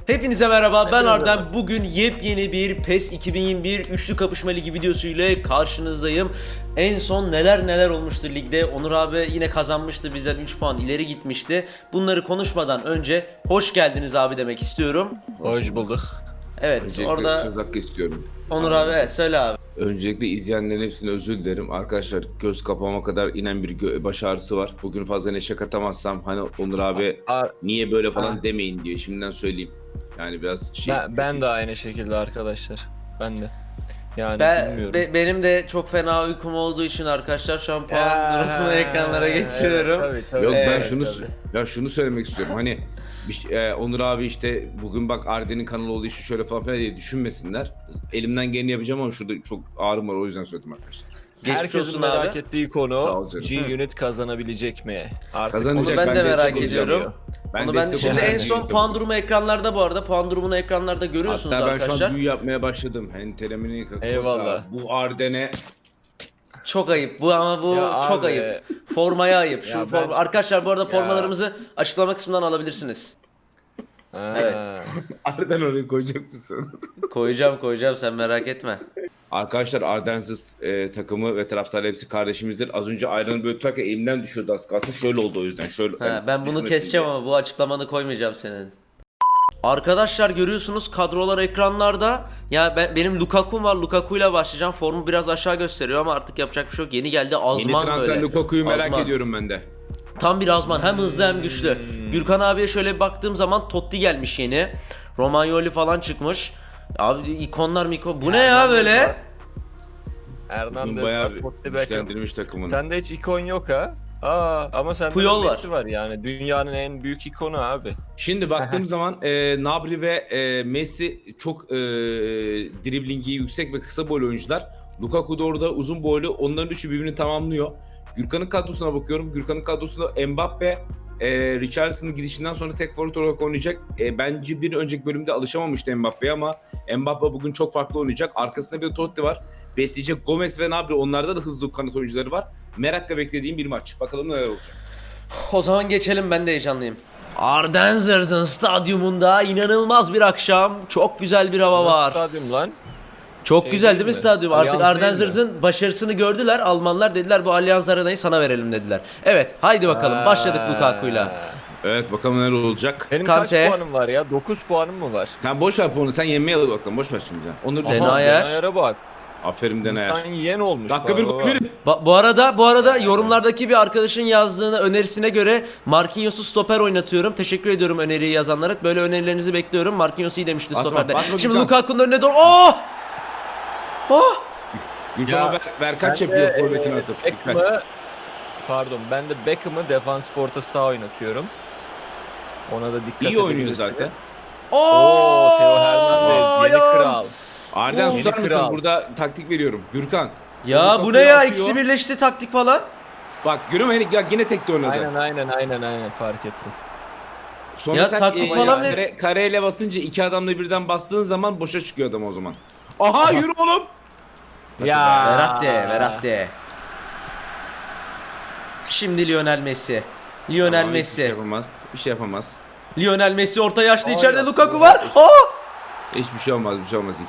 Hepinize merhaba, ben Hepinize Arden. merhaba. Bugün yepyeni bir PES 2021 Üçlü Kapışma Ligi videosu ile karşınızdayım. En son neler olmuştu ligde. Onur abi yine kazanmıştı, bizden 3 puan ileri gitmişti. Bunları konuşmadan önce hoş geldiniz abi demek istiyorum. Hoş bulduk. Evet, Öncelikle orada söz hakkı istiyorum. Onur abi evet, söyle abi. Öncelikle izleyenlerin hepsine özür dilerim. Arkadaşlar göz kapama kadar inen bir baş ağrısı var. Bugün fazla neşe katamazsam hani Onur abi niye böyle falan demeyin diye şimdiden söyleyeyim. Yani biraz şey... Ben de aynı şekilde arkadaşlar. Ben de. Yani bilmiyorum. Benim de çok fena uykum olduğu için arkadaşlar şu an puan durumunu ekranlara getiriyorum. Evet, tabii. Yok ben Evet, şunu söylemek istiyorum. Hani Onur abi işte bugün bak Arden'in kanalı olduğu için şöyle falan diye düşünmesinler. Elimden geleni yapacağım ama şurada çok ağrım var, o yüzden söyledim arkadaşlar. Geçmiş Herkesin olsun merak abi. ettiği Sağ konu ol canım. G-Unit kazanabilecek mi? Artık Kazanacak. Onu ben de destek merak olacağım ediyorum. ya. Onu ben de destek şimdi olacağım. en son puan durumu ekranlarda, bu arada puan durumunu ekranlarda görüyorsunuz Hatta ben arkadaşlar. şu an büyü yapmaya başladım. Henteremini Eyvallah. Bu Arden'e Çok ayıp bu, ama bu Ya çok abi. ayıp. Formaya ayıp. Şu Ya ben- Arkadaşlar bu arada Ya. formalarımızı açıklama kısmından alabilirsiniz. Evet. Arden oraya koyacak mısın? Koyacağım sen merak etme. Arkadaşlar Ardensiz takımı ve taraftarı hepsi kardeşimizdir. Az önce ayranı böyle tutarken elimden düşüyordu az kalsın. Şöyle oldu o yüzden. Şöyle. Ha, ben bunu düşmesin keseceğim diye. ama bu açıklamanı koymayacağım senin. Arkadaşlar görüyorsunuz kadrolar ekranlarda. Ya benim Lukaku'm var. Lukaku ile başlayacağım. Formu biraz aşağı gösteriyor ama artık yapacak bir şey yok. Yeni geldi Yeni Azman transfer böyle. Lukaku'yu merak Azman. ediyorum ben de. Tam bir Azman, hem hızlı hem güçlü. Gürkan abiye şöyle bir baktığım zaman Totti gelmiş yeni. Romagnoli falan çıkmış. Abi ikonlar bu ne ya böyle? Bugün Hernandez bayağı var, Totti Beckham. güçlendirilmiş takımını. Sende hiç ikon yok ha? Ama sende Puyol var. Messi var yani. Dünyanın en büyük ikonu abi. Şimdi baktığım zaman Nabri ve Messi çok driblingi yüksek ve kısa boylu oyuncular. Lukaku da orada uzun boylu. Onların üçü birbirini tamamlıyor. Gürkan'ın kadrosuna bakıyorum. Gürkan'ın kadrosunda Mbappe, Richarlison'ın gidişinden sonra tek forvet olarak oynayacak. Bence bir önceki bölümde alışamamıştı Mbappe'ye ama Mbappe bugün çok farklı oynayacak. Arkasında bir Totti var. Besleyecek Gomez ve Nabri. Onlarda da hızlı kanat oyuncuları var. Merakla beklediğim bir maç. Bakalım neler olacak. O zaman geçelim, ben de heyecanlıyım. Ardenzers'ın stadyumunda inanılmaz bir akşam. Çok güzel bir hava Nasıl var. stadyum lan? Çok Şey güzel değil değil mi mi? stadyum? Allianz Artık değil Ardenzers'ın başarısını gördüler. Almanlar dediler bu Allianz Arena'yı sana verelim dediler. Evet, haydi bakalım başladık Lukaku'yla. Evet bakalım neler olacak. Benim Kante. kaç puanım var ya? 9 puanım mı var? Sen boş ver puanı. Sen yenmeye odaklan. Boş ver şimdi sen. Onur Denayer. Denayer'e bak. Aferin Denayer. Sen yen olmuş. Dakika bir baba. gol bir. Bu arada yorumlardaki bir arkadaşın yazdığını, önerisine göre Marquinhos'u stoper oynatıyorum. Teşekkür ediyorum öneriyi yazanlara. Böyle önerilerinizi bekliyorum. Marquinhos iyi demişti Basma, stoperde. basma Şimdi Gürkan. Lukaku'nun önüne doğru. Oh! Oh! Gürkan ver kaç Ben de, yapıyor forvetini atıp. Dikkat. Ben de Beckham'ı defans forta sağ oynatıyorum. Ona da dikkat İyi oynuyor edebilirsiniz. zaten. Oo, Theo Hernandez yeni ayağım. kral. Arden Oh. susar Yeni mısın? kral. Burada taktik veriyorum. Gürkan. Ya bu Lukaku'yu ne ya? atıyor. İkisi birleşti taktik falan. Bak görüyor musun? Ya yine tekte oynadı. Aynen fark ettim. Sonra Ya sen taktik falan ver. kareyle basınca iki adamla birden bastığın zaman boşa çıkıyor adam o zaman. Aha yürü oğlum. Ya. Verratti. Şimdi Lionel Messi. Lionel Tamam, Messi. Bir şey yapamaz. Lionel Messi orta yaşlı, içeride ya. Lukaku var. Aa! Hiçbir şey olmaz. Bir şey olmaz.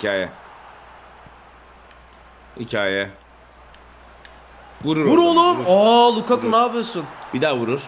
Hikaye. Vurur Vur oradan, oğlum. vurur. Aa, Lukaku Vurur. ne yapıyorsun? Bir daha vurur.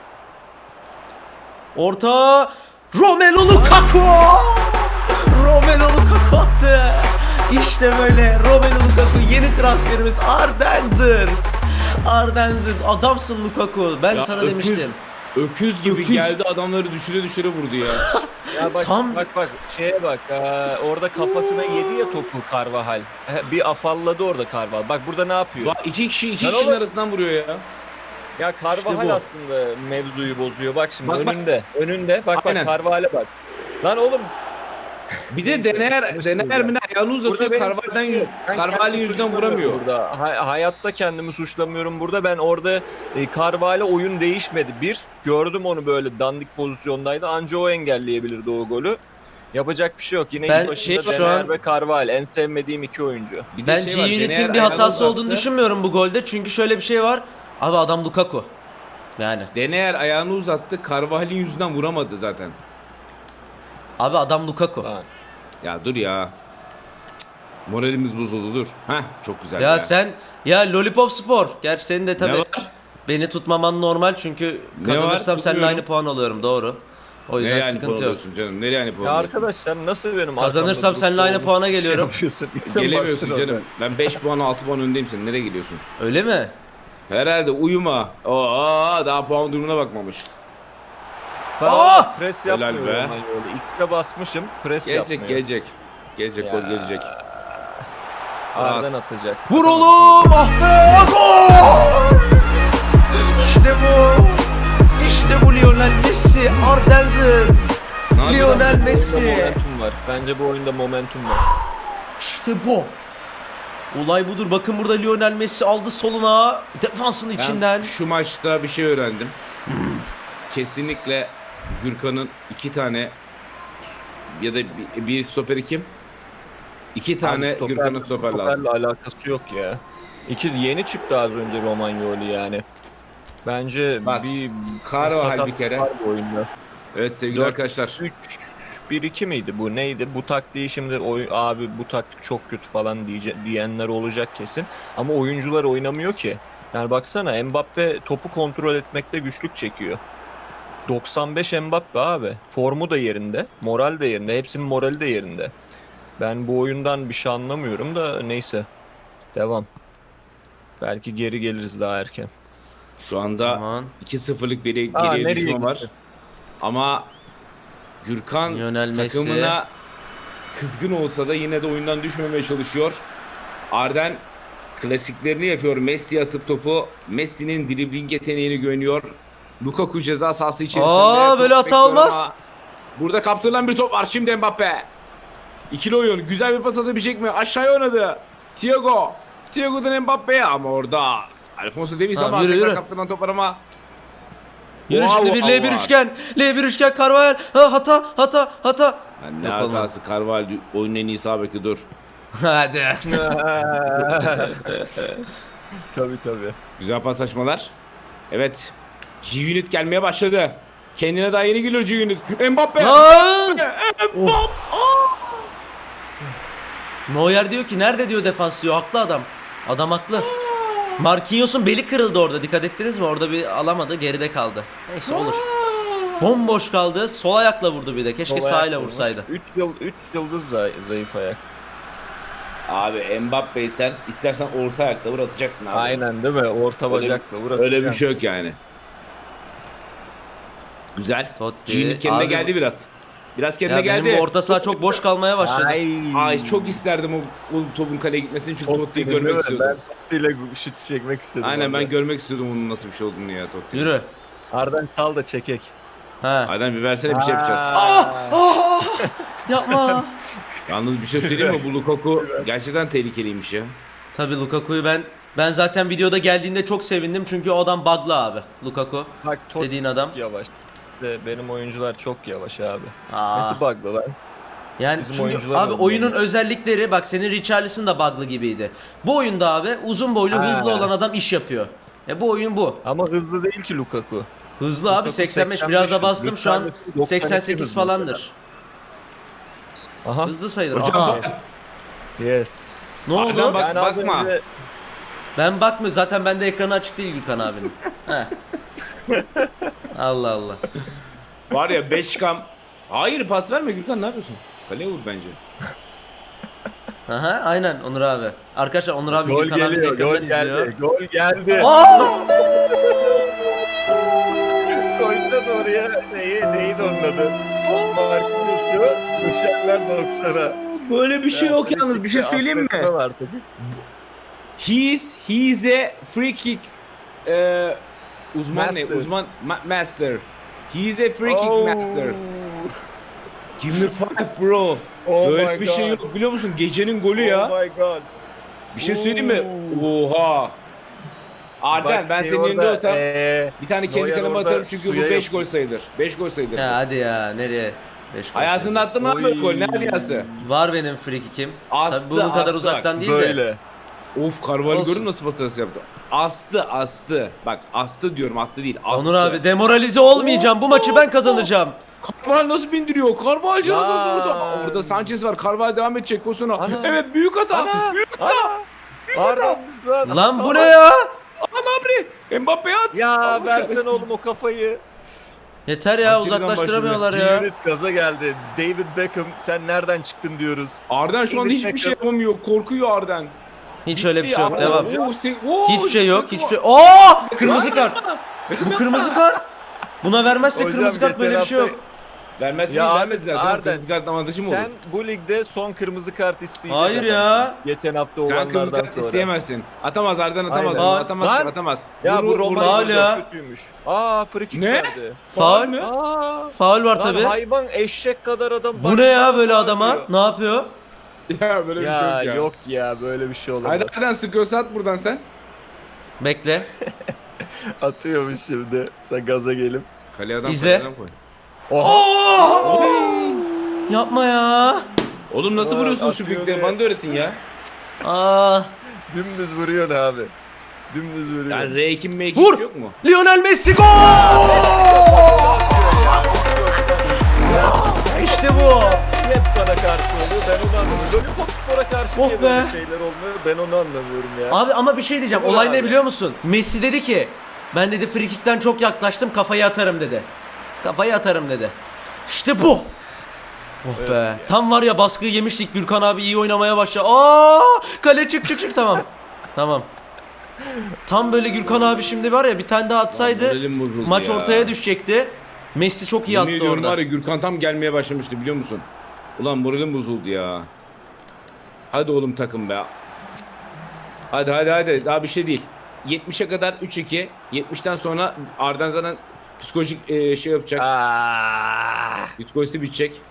Orta Romelu Lukaku. Romelu Lukaku attı. İşte böyle Romelu Lukaku, yeni transferimiz Ardenzers. Adamsın Lukaku. Ben Ya sana demiştim. Öküz gibi Öküz. geldi, adamları düşüre vurdu ya. Ya bak Tam- bak şeye bak. Orada kafasına yedi ya topu Carvajal. Bir afalladı orada Carvajal. Bak burada ne yapıyor? Bak iki Lan kişinin oğlum. arasından vuruyor ya. Ya Carvajal bu. aslında mevzuyu bozuyor. Bak şimdi Bak, bak. önünde. Bak Aynen. Carvajal'e bak. Lan oğlum. Bir de Neyse, Denayer konuşmayacağım. mi ne ayağını uzatıyor, benim Carvalho'dan suçum yok. Ben Carvalho kendimi yüzünden suçlamıyorum vuramıyor. Burada. Hayatta kendimi suçlamıyorum burada. Ben orada Carvalho oyun değişmedi. Gördüm onu böyle dandik pozisyondaydı. Anca o engelleyebilirdi o golü. Yapacak bir şey yok. Yine Ben ilk başında şu Denayer an- ve Carvalho. En sevmediğim iki oyuncu. Bir de Ben şey var, Denayer G-Unit'in bir ayağını hatası uzattı. olduğunu düşünmüyorum bu golde. Çünkü şöyle bir şey var. Abi adam Lukaku. Yani. Denayer ayağını uzattı, Carvalho'nun yüzünden vuramadı zaten. Abi adam Lukaku. Lan. Ya dur ya. Moralimiz bozuldu dur. Heh çok güzel Ya sen ya Lollipop Spor. Gerçi senin de Ne tabii var? beni tutmaman normal çünkü Ne kazanırsam var? seninle Tutmuyorum. aynı puan alıyorum doğru. O yüzden Nereye aynı puan sıkıntı yok. alıyorsun canım? Nereye aynı puan Ya alıyorsun? arkadaş sen nasıl benim Kazanırsam arkamda seninle durup aynı da puana şey geliyorum. yapıyorsun? İlk sen Gelemiyorsun bastın canım. Ben 5 puan 6 puan öndeyim senin. Nereye gidiyorsun? Öyle mi? Herhalde uyuma. Aa daha puan durumuna bakmamış. orada. Pres Helal yapmıyorum be. ben öyle. İlk de basmışım. Pres Gelecek yapmıyor. gelecek. Gelecek gol Ya. gelecek. Arden atacak. Vur oğlum! Ah be! Gol! İşte bu! İşte bu Lionel Messi! Ardenziz! Ne yapıyor Lionel lan? Messi! Momentum var. Bence bu oyunda momentum var. İşte bu! Olay budur. Bakın burada Lionel Messi aldı soluna. Defansın Ben içinden. şu maçta bir şey öğrendim. Kesinlikle Gürkan'ın 2 tane ya da bir stoperi kim? 2 tane Abi Gürkan'ın stoper lazım. stoperle alakası yok ya. Yeni çıktı az önce Romagnoli yani. Bence Bak, bir Carvajal sakat bir kere. var bu oyunda. Evet sevgili 4, arkadaşlar. 3-1-2 miydi bu neydi? Bu taktiği şimdi abi bu taktik çok kötü falan diyenler olacak kesin. Ama oyuncular oynamıyor ki. Yani baksana Mbappe topu kontrol etmekte güçlük çekiyor. 95 Mbappe abi. Formu da yerinde, moral de yerinde. Hepsinin morali de yerinde. Ben bu oyundan bir şey anlamıyorum da neyse. Devam. Belki geri geliriz daha erken. Şu anda Aman. 2-0'lık bir Aa, geriye nereye düşme var. gitti? Ama Gürkan Lionel Messi. takımına kızgın olsa da yine de oyundan düşmemeye çalışıyor. Arden klasiklerini yapıyor. Messi'ye atıp topu. Messi'nin dribling yeteneğine güveniyor. Lukaku ceza sahası içerisinde. Aa, böyle Top hata bekliyor olmaz. ama burada kaptırılan bir top var. Şimdi Mbappe. İkili oyun. Güzel bir pas atabilecek mi? Aşağıya oynadı. Thiago. Thiago'dan Mbappe'ye ama orada Alfonso Davies Tamam, ama yürü, tekrar yürü. kaptırılan top var ama Yürü Wow, şimdi bir wow, L1 wow. üçgen. L1 üçgen Carvajal. Ha, hata. yani ne Yok oğlum. hatası Carvalho oyunun en iyisi abi ki dur. Hadi. Tabii. Güzel paslaşmalar. Evet. G-Unit gelmeye başladı. Kendine daha yeni geliyor G-Unit. Mbappe. Lan! Of. Neuer diyor ki nerede diyor defans diyor. Haklı adam. Adam haklı. Marquinhos'un beli kırıldı orada. Dikkat ettiniz mi? Orada bir alamadı. Geride kaldı. Neyse olur. Bomboş kaldı. Sol ayakla vurdu bir de. Keşke sağıyla vursaydı. 3 yıldız zayıf ayak. Abi Mbappe'yi sen istersen orta ayakla vur atacaksın abi. Aynen değil mi? Orta bacakla vur. Öyle bir şey yok yani. Güzel. Totti. G-Unit kendine Abi geldi biraz. Biraz kendine Ya geldi. benim bu orta saha çok boş kalmaya başladı. Ay çok isterdim o topun kaleye gitmesini çünkü Totti'yi görmek istiyordum. Ben Totti'yle şut çekmek istedim. Aynen orada. ben görmek istiyordum onun nasıl bir şey olduğunu ya Totti. Yürü. Arden sal da çekek. Ha. Aynen bir versene bir şey yapacağız. Yapma. Yalnız bir şey söyleyeyim mi? Bu Lukaku gerçekten tehlikeliymiş ya. Tabii Lukaku'yu ben zaten videoda geldiğinde çok sevindim çünkü o adam bug'lı abi. Lukaku Bak Totti dediğin adam. yavaş. Benim oyuncular çok yavaş abi. Aa. Nasıl bug'lı lan? Yani Bizim çünkü oyuncular abi da oyunun bunlar. özellikleri bak senin Richarlison da bug'lı gibiydi. Bu oyunda abi uzun boylu Ha. hızlı olan adam iş yapıyor. Bu oyun bu. Ama hızlı değil ki Lukaku. Hızlı abi Lukaku 85 biraz da bastım şu an 92 88 hızlı falandır. Aha. Hızlı sayılır. Hocam, Aha. Yes. Ne oldu? Arda bak- Yani az bakma. önce- Ben bakmıyorum. Zaten bende ekranı açık değil Gülkan abinin. He. Allah Allah. Var ya 5 kam. Hayır pas verme Gürkan ne yapıyorsun? Kaleye vur bence. Aha, aynen Onur abi. Arkadaşlar Onur abi Gol Gülkan abinin geliyor, gol ekranından izliyor. geldi, gol geldi. Aa! Koysana oraya neydi onun adı? Marquinhos'u uçaklar 90'a. Böyle bir şey yok yalnız bir şey söyleyeyim mi? Affetmem artık. He's a free kick uzman Master. ne? Uzman master. He's a free kick Oh. master. Give me five bro. Oh Böyle my bir şey God. yok biliyor musun? Gecenin golü ya. Oh my god. Bir şey söyleyeyim mi? Oha. Arden Bak ben şey senin yerinde orada, olsam bir tane kendi Neuer kaleme orada atarım çünkü bu suya 5 yapıyor. gol sayılır. 5 gol sayılır. Ya hadi ya nereye? 5 Hayatında attın mı abi böyle gol? Ne aliyası? Var benim free kick'im. Astı, Tabii bunun kadar astı uzaktan değil de. Böyle. Of Carvalho Olsun. görün nasıl pas arası yaptı. Astı. Bak astı diyorum attı değil. Astı. Onur abi demoralize olmayacağım. Bu maçı ben kazanacağım. Carvalho nasıl bindiriyor? Carvalho Ya. nasıl orada? Orada Sanchez var. Carvalho devam edecek pozisyona. Ana. Evet büyük hata. Ana. Büyük hata. Lan bu ne ya? Nabri. Mbappe'ye at. Ya Allah versene kahretsin. oğlum o kafayı. Yeter ya, Hakikaten uzaklaştıramıyorlar ya. Unit gaza geldi. David Beckham sen nereden çıktın diyoruz. Arden şu anda David hiçbir şey Beckham. yapamıyor. Korkuyor Arden. Hiç öyle bir şey yok. ya. Devam. Hiçbir Hiçbir şey yok. Hiçbir şey. Oo! Kırmızı kart. Bu kırmızı kart. Buna vermezse Hocam, kırmızı kart, geçen böyle bir şey hafta- yok. Vermez Ya değil, abi, vermezler. Tamam, Arden, kırmızı kart avantajı mı olur? Sen bu ligde son kırmızı kart isteyeceksin. Hayır ya. Geçen hafta Sen kırmızı olanlardan kart sonra. isteyemezsin. Atamaz Arden atamaz. Aynen. Onu atamaz. Lan. Atamaz. Ya bu Vurur, Roma faul ya. kötüymüş. Aa free kick Ne? verdi. Faul. mü? Aa. Faul var Lan tabi. hayvan eşek kadar adam. Bu ne ya böyle adama? Ne yapıyor? Ya böyle bir şey Ya yok ya. yok ya böyle bir şey olamaz. Haydi Arden sıkıyorsa at buradan sen. Bekle. Atıyormuş şimdi. Sen gaza gelip. Kaleye adam İzle. koy, adam koy. Oo! Yapma ya. Oğlum nasıl Ulan vuruyorsun şu atıyor fikleri? diye. Bana da öğretin ya. Aa. Dümdüz vuruyorsun abi. Dümdüz vuruyorsun. Yani R2 M2 Vur! yok mu? Lionel Messi gol! İşte bu. Hep bana karşı oluyor. Ben onu anlamıyorum. Lollipop Spor'a karşı Oh niye be. böyle şeyler olmuyor? Ben onu anlamıyorum ya. Abi ama bir şey diyeceğim. Vur Olay abi. ne biliyor musun? Messi dedi ki ben dedi free kick'ten çok yaklaştım, kafayı atarım dedi. Kafayı atarım dedi. İşte bu. Oh Evet be. ya. Tam var ya, baskıyı yemiştik. Gürkan abi iyi oynamaya başladı. Aa! Kale çık tamam. Tamam. Tam böyle Gürkan abi şimdi var ya, bir tane daha atsaydı Moralim bozuldu maç ya. ortaya düşecekti. Messi çok iyi Yemin attı ediyorum orada. var ya, Gürkan tam gelmeye başlamıştı biliyor musun? Ulan moralim bozuldu ya. Hadi oğlum takım be. Hadi daha bir şey değil. 70'e kadar 3-2. 70'ten sonra Arden zaten psikolojik şey yapacak. Psikolojisi bitecek.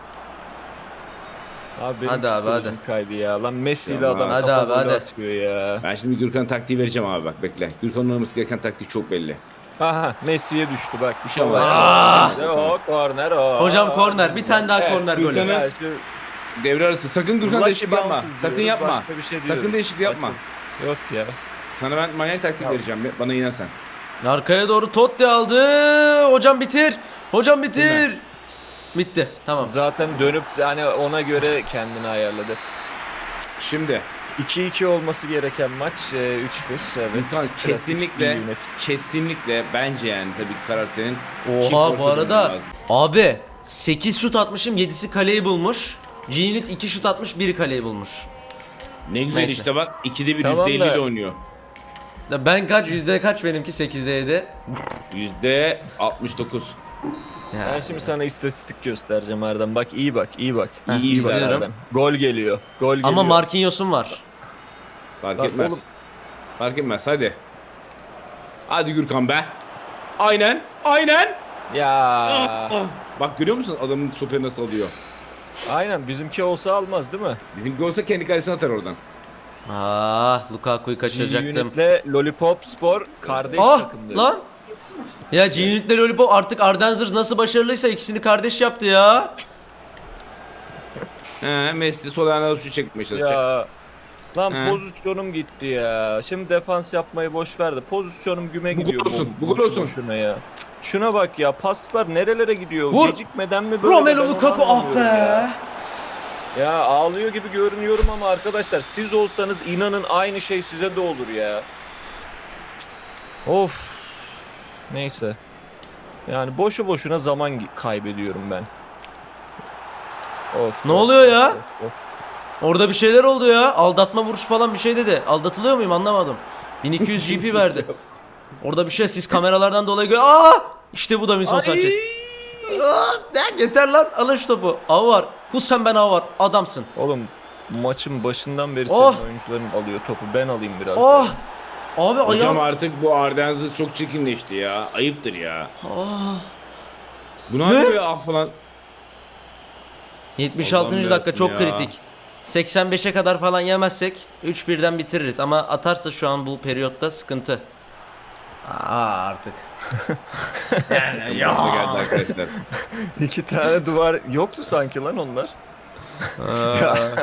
Abi benim Hadi abi, psikolojim kaydı ya. Lan Messi ile Tamam. adam Hadi kafa abi, golü hadi. atıyor ya. Ben şimdi Gürkan taktiği vereceğim abi, bak bekle. Gürkan'ın oynaması gereken taktik çok belli. Aha Messi'ye düştü bak. Bir şey Tamam. var. Aa! O korner o. Hocam korner, bir tane daha Evet, korner golü. Gürkan'ı- Ya şu Devre arası sakın Gürkan Lucky değişiklik yapma. bounces Sakın diyoruz, yapma. başka bir şey Sakın diyoruz. değişiklik yapma. Yok ya. Sana ben manyak taktik vereceğim. Bana inan sen. Arkaya doğru Totti aldı. Hocam bitir. Hocam bitir. Bitti. Tamam. Zaten dönüp hani ona göre kendini ayarladı. Şimdi 2-2 olması gereken maç 3-1 evet. Gürkan Trafik kesinlikle iyi yönet. kesinlikle bence yani tabii ki karar senin. Çift Oha, orta bu arada dönmen lazım. abi 8 şut atmışım, 7'si kaleyi bulmuş. G-Unit 2 şut atmış, 1 kaleyi bulmuş. Ne güzel Neyse. işte bak, 2'de 1 Tamam %50 da- ile oynuyor. Ben kaç, yüzde kaç benimki? 8'de 7. %69. Ben şimdi sana istatistik göstereceğim Erdem. Bak iyi bak, iyi bak. Heh, İyi bak izliyorum. Erdem. Gol geliyor. Gol geliyor. Ama Marquinhos'um var. Fark Bak etmez. oğlum. Fark etmez hadi. Hadi Gürkan be. Aynen. Aynen. Ya. Bak görüyor musun adamın stoperi nasıl alıyor? Aynen bizimki olsa almaz değil mi? Bizimki olsa kendi kalesine atar oradan. Lukaku'yu kaçıracaktım. G-Unit'le Lollipop Spor kardeş Ah takımdır. lan. Ya G-Unit'le Lollipop artık, Ardenzers nasıl başarılıysa ikisini kardeş yaptı ya. Messi sol ayağına alıp şu çekmeye çalışacak. Ya. Lan He. pozisyonum gitti ya. Şimdi defans yapmayı boş ver de pozisyonum güme Bu gidiyor. gol olsun, bu gol boşu olsun. boşuna ya. Cık, şuna bak ya, paslar nerelere gidiyor? Vur. Gecikmeden mi böyle? Romelu Ben onu Lukaku, ah anlamıyorum be. ya. Ya ağlıyor gibi görünüyorum ama arkadaşlar siz olsanız inanın aynı şey size de olur ya. Of. Neyse. Yani boşu boşuna zaman kaybediyorum ben. Of. Ne of, oluyor of, ya? of, of. Orada bir şeyler oldu ya. Aldatma vuruş falan bir şey dedi. Aldatılıyor muyum anlamadım. 1200 GP verdi. Orada bir şey, siz kameralardan dolayı işte bu da Wilson Ay. Sanchez. Yeter lan, alın şu topu. Av var. Hussein Ben Av var. Adamsın. Oğlum maçın başından beri Oh. senin oyuncuların alıyor topu. Ben alayım biraz. Oh. daha. Abi Hocam ayağım. artık bu Ardenz'ı çok çirkinleşti ya. Ayıptır ya. Ah. Bu ne Ne? yapıyor ya ah falan. 76. Allah'ım dakika çok yarabbim ya. kritik. 85'e kadar falan yemezsek 3-1'den bitiririz ama atarsa şu an bu periyotta sıkıntı. Artık. Yani Bakma geldi arkadaşlar. 2 tane duvar yoktu sanki lan onlar.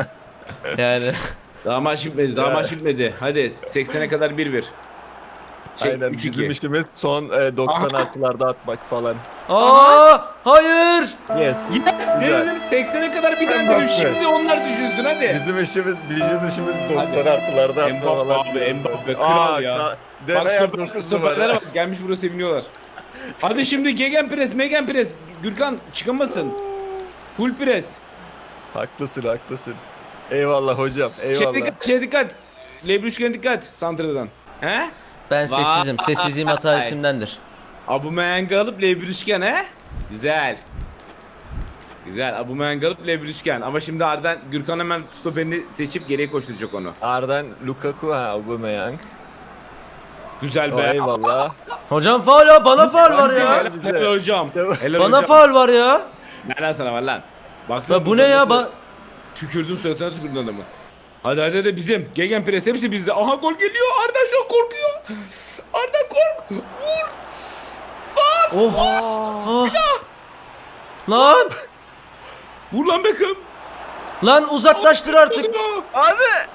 Yani Daha maç bitmedi, daha maç bitmedi. Hadi 80'e kadar 1-1. Aynen 3-2. bizim işimiz son 90 artılarda atmak falan. Aa, hayır. Yes. Yes Güzel. dedim 80'e kadar bir tane Mbappe. dedim. Şimdi onlar düşünsün hadi. Bizim işimiz 90 Hadi. artılarda atma Mbappe falan. abi, diyorum Mbappe, ben. kral ya. Bak Deneyer 9 stoperlere numara. bak gelmiş buraya seviniyorlar. Hadi şimdi Gegenpress. Gürkan çıkamasın. Full press. Haklısın. Eyvallah hocam, eyvallah. Şeye dikkat. Lebruşken dikkat. Santra'dan. He? Ben Vay. sessizim. Sessizliğim hataletimdendir. Aubameyang'ı alıp Lebruşken he? Güzel. Güzel. Aubameyang'ı alıp Lebruşken. Ama şimdi Arden Gürkan hemen stoperini seçip geriye koşturacak onu. Arden Lukaku Aubameyang. Güzel O, be. eyvallah. Hocam faul ya. Bana faul var ya. Helal hocam. Helal Bana hocam. faul var ya. Ne lan sana var lan? Baksana Ya bu ne ya? Tükürdün suratına tükürdün adamı. Hadi de bizim. Gegenpress hepsi bizde. Aha gol geliyor. Arda şu an korkuyor. Arda kork. Vur. Oh. Ah. Lan. Vur lan Beckham. Lan uzaklaştır artık. Abi.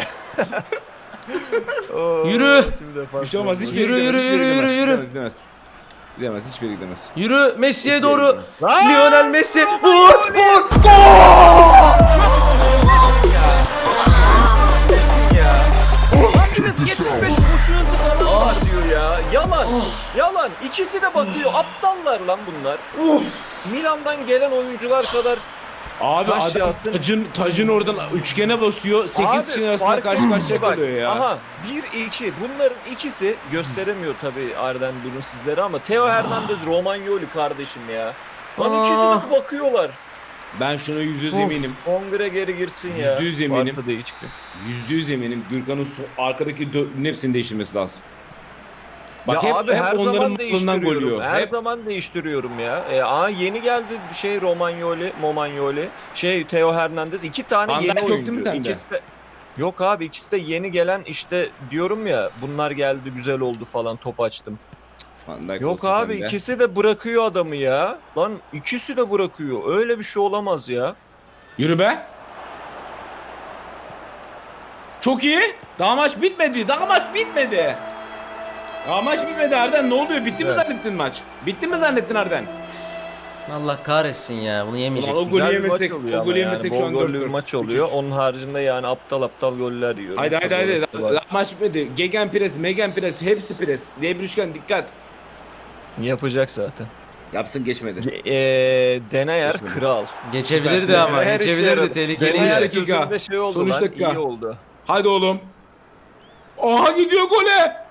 Oo, Yürü. Şimdi defans Bir şey olmaz. oldu. Hiçbir yere Yürü, gidemez, yürü, hiçbir yere yürü, gidemez, yürü. Gidemez. Gidemez. Hiçbir yere gidemez. Yürü Messi'ye Hiçbir yere doğru. gidemez. Lionel Messi. Vur. Gol. Hangimiz 75 koşu hızı falan var diyor ya. Yalan. İkisi de bakıyor. Aptallar lan bunlar. Milan'dan gelen oyuncular kadar. Abi Taş adam yastın. tacın oradan üçgene basıyor. 8 kişinin arasında fark karşı karşıya bak, kalıyor ya. Aha 1-2 bunların ikisi gösteremiyor tabii Arden bunu sizlere ama Theo Hernandez Romagnoli kardeşim ya. Lan ikisi de bakıyorlar. Ben şunu %100 eminim. Kongre geri girsin ya. %100 eminim. Varsa değişti. %100 eminim. Gürkan'ın arkadaki dörtlünün hepsini değiştirmesi lazım. Ya hep abi her onların zaman malından değiştiriyorum. golüyor. Her Hep zaman değiştiriyorum ya. Yeni geldi Momagnoli, Theo Hernandez 2 tane Van yeni Dijk yok değil oyuncu. mi sende? İkisi de yok abi ikisi de yeni gelen işte diyorum ya bunlar geldi güzel oldu falan top açtım. Van Dijk Yok olsa abi sende. ikisi de bırakıyor adamı ya. Lan ikisi de bırakıyor. Öyle bir şey olamaz ya. Yürü be. Çok iyi. Daha maç bitmedi. Daha maç bitmedi Arden. Ne oluyor? Bitti mi Evet. zannettin maç? Bitti mi zannettin Arden? Allah kahretsin ya. Bunu yemeyecek. Ulan o golü Güzel bir maç yemesek, oluyor o ama golü yani. yemesek Bol şu an gollü 4-4. bir maç oluyor. Onun haricinde yani aptal goller yiyor. Haydi. Daha maç bitmedi. Gegenpress, hepsi pres. Lebruşken dikkat. Yapacak zaten. Yapsın geçmedi. Deneyer Geçmedi. kral. Geçebilirdi Süpersin. ama. Her işe Geçebilirdi. yaradı. Tehlikeliydi. Deneyer- Deneyer dakika. gözümde şey oldu Son üç lan. dakika. İyi oldu. Haydi oğlum. Aha gidiyor gole.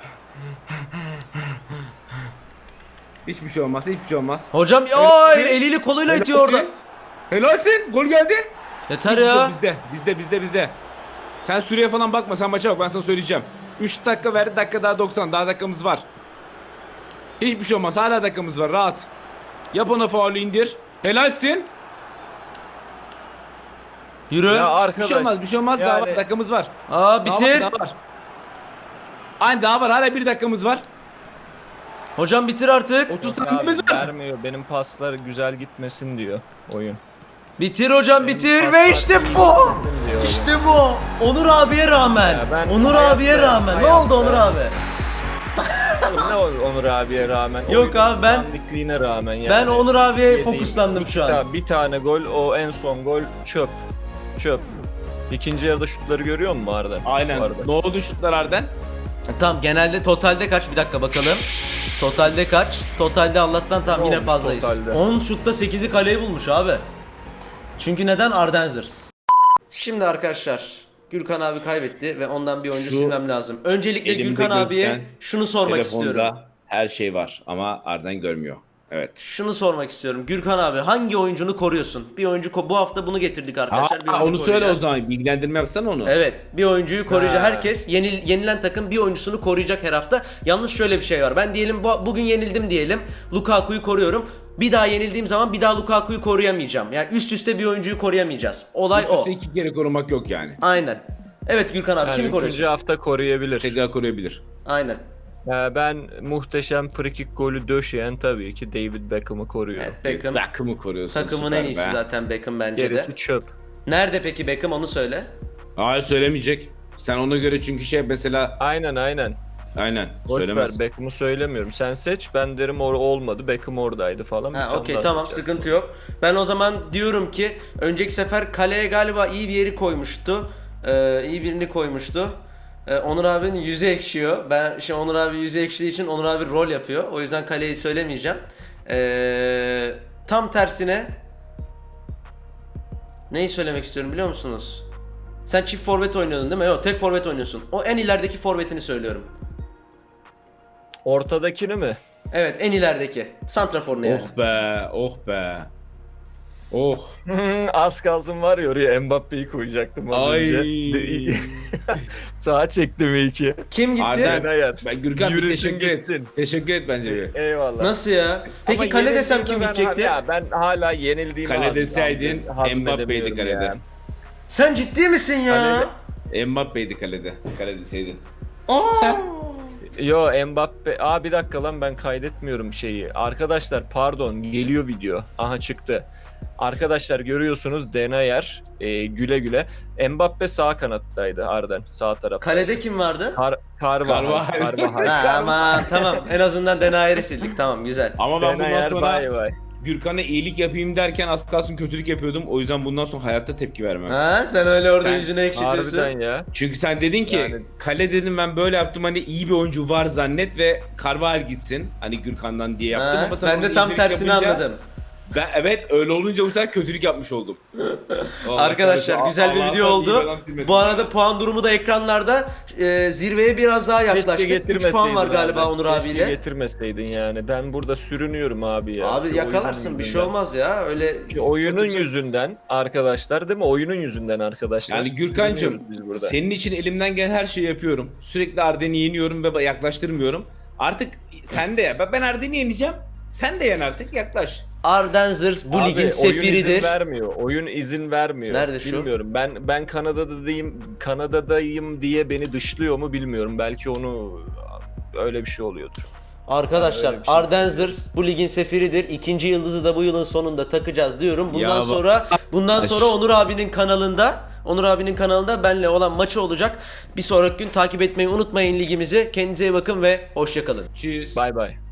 Hiçbir şey olmaz. Hocam ya eliyle koluyla itiyor orada. Helalsin. Gol geldi. Yeter ya. Bizde. Sen süreye falan bakma. Sen maça bak. Ben sana söyleyeceğim. 3 dakika verdi. Dakika daha 90. Daha dakikamız var. Hiçbir şey olmaz. Hala dakikamız var. Rahat. Yap ona faulü indir. Helalsin. Yürü. Ya Bir şey arkadaş. olmaz. Daha yani- var. Dakikamız var. Aa bitir. Daha var. Aynen daha var. Hala 1 dakikamız var. Hocam bitir artık. 30 Yok saniyemiz abi, var. vermiyor. Benim paslar güzel gitmesin diyor oyun. Bitir hocam Benim bitir paslar ve işte iyi bu. gitmesin diyor oyun. İşte bu. Onur abiye rağmen. Ya ben Onur hayatta- abiye rağmen. Ne hayatta- oldu Onur abi? Ne Onur abiye rağmen? Yok oyunun abi, ben- dandikliğine rağmen yani. Ben Onur abiye Yediğim fokuslandım şu an. Bir tane gol o en son gol çöp. İkinci yarıda şutları görüyor musun Arda? Aynen. Bu arada. Ne oldu şutlar Arden? Tamam genelde totalde kaç? Bir dakika bakalım. Totalde kaç? Totalde Allah'tan tam Ne yine olmuş fazlayız. totalde? 10 şutta 8'i kaleyi bulmuş abi. Çünkü neden? Ardenzers. Şimdi arkadaşlar Gürkan abi kaybetti ve ondan bir oyuncu Şu silmem lazım. Öncelikle elimde Gürkan abiye gözüken şunu sormak istiyorum. Telefonda her şey var ama Arden görmüyor. Evet. Şunu sormak istiyorum. Gürkan abi hangi oyuncunu koruyorsun? Bir oyuncu bu hafta bunu getirdik arkadaşlar. Bir oyuncu Onu söyle o koruyacağız. zaman. Bilgilendirme yapsana onu. Evet, bir oyuncuyu koruyacak. Ha. Herkes yenilen takım bir oyuncusunu koruyacak her hafta. Yalnız şöyle bir şey var. Ben diyelim bugün yenildim diyelim. Lukaku'yu koruyorum. Bir daha yenildiğim zaman bir daha Lukaku'yu koruyamayacağım. Yani üst üste bir oyuncuyu koruyamayacağız. Olay Üst o. üste 2 kere korumak yok yani. Aynen. Evet Gürkan abi Yani kimi üçüncü koruyorsun? hafta koruyabilir. Tekrar koruyabilir. Aynen. Ben muhteşem frikik golü döşeyen tabii ki David Beckham'ı koruyorum. Evet Beckham. Beckham'ı koruyorsun. Takımın süper en iyisi be. zaten Beckham bence Gerisi de. çöp. Nerede peki Beckham onu söyle. Hayır söylemeyecek. Sen ona göre çünkü şey mesela Aynen. Aynen. Boş ver, Söylemez. Beckham'ı söylemiyorum. Sen seç, ben derim olmadı. Beckham oradaydı falan. Bir Ha tane okey daha tamam, seçerim. sıkıntı yok. Ben o zaman diyorum ki önceki sefer kaleye galiba iyi bir yeri koymuştu. İyi birini koymuştu. Onur abinin yüzü ekşiyor. Ben şimdi Onur abi yüzü ekşidiği için Onur abi rol yapıyor. O yüzden kaleyi söylemeyeceğim. Tam tersine neyi söylemek istiyorum biliyor musunuz? Sen çift forvet oynuyordun değil mi? Yok, tek forvet oynuyorsun. O en ilerideki forvetini söylüyorum. Ortadakini mi? Evet, en ilerideki. Santrafor ne yani? Oh be, oh be. Oh. Az kalsın var ya, oraya Mbappe'yi koyacaktım az Ay. önce. Sağa çektim iki. Kim gitti? Arden. Hayat. Ben Gürkan bir Yürüsün teşekkür et. gitsin. Teşekkür et bence bir. Eyvallah. Nasıl ya? Peki Ama kale desem kim yenildiğimi gidecekti? Ben hala yenildiğimi Kale deseydin hazmedemiyorum Mbappe'ydi kalede. ya. Sen ciddi misin ya? Mbappe'ydi kalede. Kale deseydin. Yo, Mbappe. Bir dakika lan, ben kaydetmiyorum şeyi. Arkadaşlar pardon, geliyor video. Aha çıktı. Arkadaşlar görüyorsunuz, Denayer güle güle. Mbappe sağ kanattaydı Arden, sağ tarafta. Kalede kim vardı? Carvajal. Ha, aman tamam, en azından Denayer'i sildik, tamam güzel. Ama ben bundan Denayer sonra bay bay. Gürkan'a iyilik yapayım derken az kalsın kötülük yapıyordum. O yüzden bundan sonra hayatta tepki vermem. Ha, sen öyle orada Sen yüzünü ekşitiyorsun. Harbiden ya. Çünkü sen dedin ki Yani- kale dedim, ben böyle yaptım, hani iyi bir oyuncu var zannet ve Carvajal gitsin. Hani Gürkan'dan diye yaptım Ha, ama sen ben de onu tam iyilik tersini yapınca- anladım. Ben, evet öyle olunca bu sefer kötülük yapmış oldum. Vallahi Arkadaşlar kardeşim, güzel bir Allah'tan video iyi oldu. bir adam silmedim Bu ya. arada puan durumu da ekranda. Zirveye biraz daha yaklaştık. 3 puan var galiba Onur Keşke abiyle. getirmeseydin yani. Ben burada sürünüyorum abi ya. Abi Şu yakalarsın, oyunun bir şey yüzünden. olmaz ya. Öyle Şu oyunun kötü- yüzünden arkadaşlar, değil mi? Oyunun yüzünden arkadaşlar. Yani Gürkan'cığım Sürünüyoruz biz burada. senin için elimden gelen her şeyi yapıyorum. Sürekli Arden'i yeniyorum ve yaklaştırmıyorum. Artık sen de ya. Ben Arden'i yeneceğim. Sen de yen artık, yaklaş. Arden Zırs bu Abi, ligin oyun sefiridir. izin vermiyor. Oyun izin vermiyor. Nerede şu? Bilmiyorum. Ben Kanada'dayım diye beni dışlıyor mu bilmiyorum. Belki onu öyle bir şey oluyordur. Arkadaşlar Öyle bir şey. Arden Zırs bu ligin sefiridir. İkinci yıldızı da bu yılın sonunda takacağız diyorum. Bundan Ya sonra Onur abinin kanalında benle olan maçı olacak. Bir sonraki gün takip etmeyi unutmayın ligimizi. Kendinize iyi bakın ve hoşça kalın. Tschüss. Bay bay.